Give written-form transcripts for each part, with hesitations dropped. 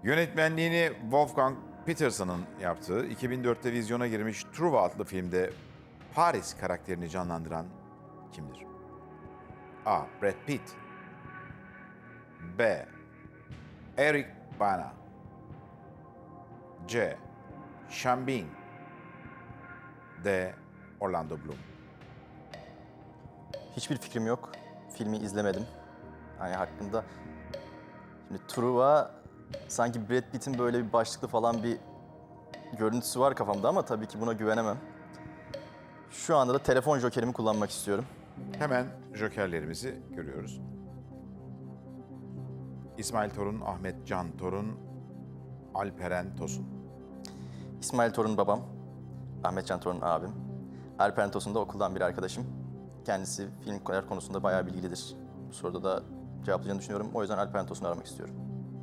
Yönetmenliğini Wolfgang Petersen'ın yaptığı 2004'te vizyona girmiş Truva adlı filmde Paris karakterini canlandıran kimdir? A. Brad Pitt, B. Eric Bana, C. Sean Bean, D. Orlando Bloom. Hiçbir fikrim yok. Filmi izlemedim. Hani hakkında... Şimdi Truva sanki Brad Pitt'in böyle bir başlıklı falan bir görüntüsü var kafamda ama tabii ki buna güvenemem. Şu anda da telefon jokerimi kullanmak istiyorum. Hemen jokerlerimizi görüyoruz. İsmail Torun, Ahmet Can Torun, Alperen Tosun. İsmail Torun babam, Ahmet Can Torun abim. Alperen Tosun da okuldan bir arkadaşım. Kendisi film konusunda bayağı bilgilidir. Bu soruda da cevaplayacağını düşünüyorum. O yüzden Alperen Tosun'u aramak istiyorum.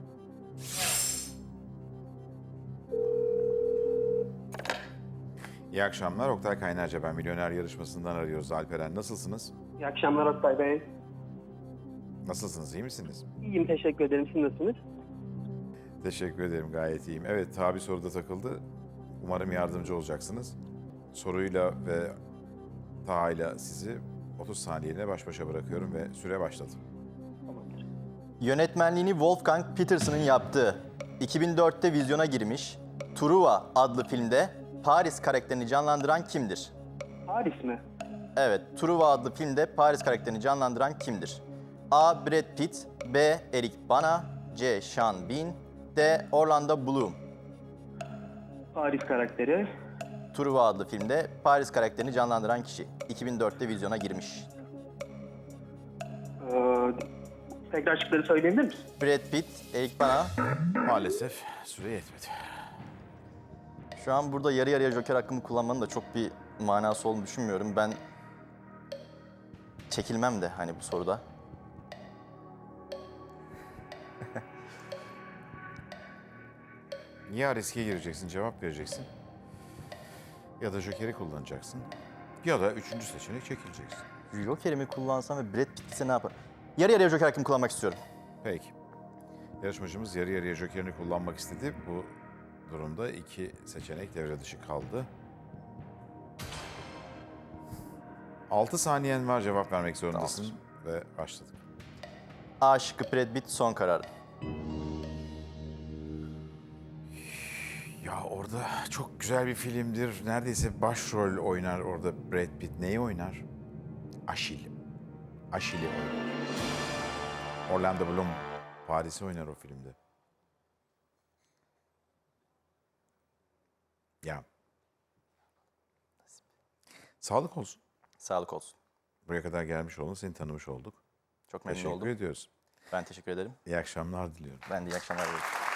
İyi akşamlar. Oktay Kaynarca ben Milyoner Yarışması'ndan arıyoruz. Alperen nasılsınız? İyi akşamlar Oktay Bey. Nasılsınız? İyi misiniz? İyiyim, teşekkür ederim. Siz nasılsınız? Teşekkür ederim. Gayet iyiyim. Evet, Tabi soruda takıldı. Umarım yardımcı olacaksınız. Soruyla ve Taha'yla sizi 30 saniyeliğine baş başa bırakıyorum ve süre başladı. Tamamdır. Yönetmenliğini Wolfgang Petersen'ın yaptığı, 2004'te vizyona girmiş Truva adlı filmde Paris karakterini canlandıran kimdir? Paris mi? Evet, Truva adlı filmde Paris karakterini canlandıran kimdir? A. Brad Pitt, B. Eric Bana, C. Sean Bean, D. Orlando Bloom. Paris karakteri. Truva adlı filmde Paris karakterini canlandıran kişi. 2004'te vizyona girmiş. Tekrar şıkları söyleyebilir misin? Brad Pitt, Eric Bana. Maalesef süre yetmedi. Şu an burada yarı yarıya joker hakkımı kullanmanın da çok bir manası olduğunu düşünmüyorum. Ben çekilmem de hani bu soruda. Ya riske gireceksin, cevap vereceksin. Ya da jokeri kullanacaksın. Ya da üçüncü seçenek çekileceksin. Jokerimi kullansam ve Brad Pitt ise ne yapar? Yarı yarıya joker hakkımı kullanmak istiyorum. Peki. Yarışmacımız yarı yarıya jokerini kullanmak istedi. Bu durumda iki seçenek devre dışı kaldı. 6 saniyen var, cevap vermek zorundasın. Ve başladık. A şıkkı Brad Pitt son kararım. Ya orada çok güzel bir filmdir. Neredeyse başrol oynar orada Brad Pitt. Neyi oynar? Aşil. Aşil'i oynar. Orlando Bloom Paris'i oynar o filmde. Ya. Sağlık olsun. Sağlık olsun. Buraya kadar gelmiş oldun, seni tanımış olduk. Çok memnun Teşekkür oldum. ediyoruz. Ben teşekkür ederim. İyi akşamlar diliyorum. Ben de iyi akşamlar diliyorum.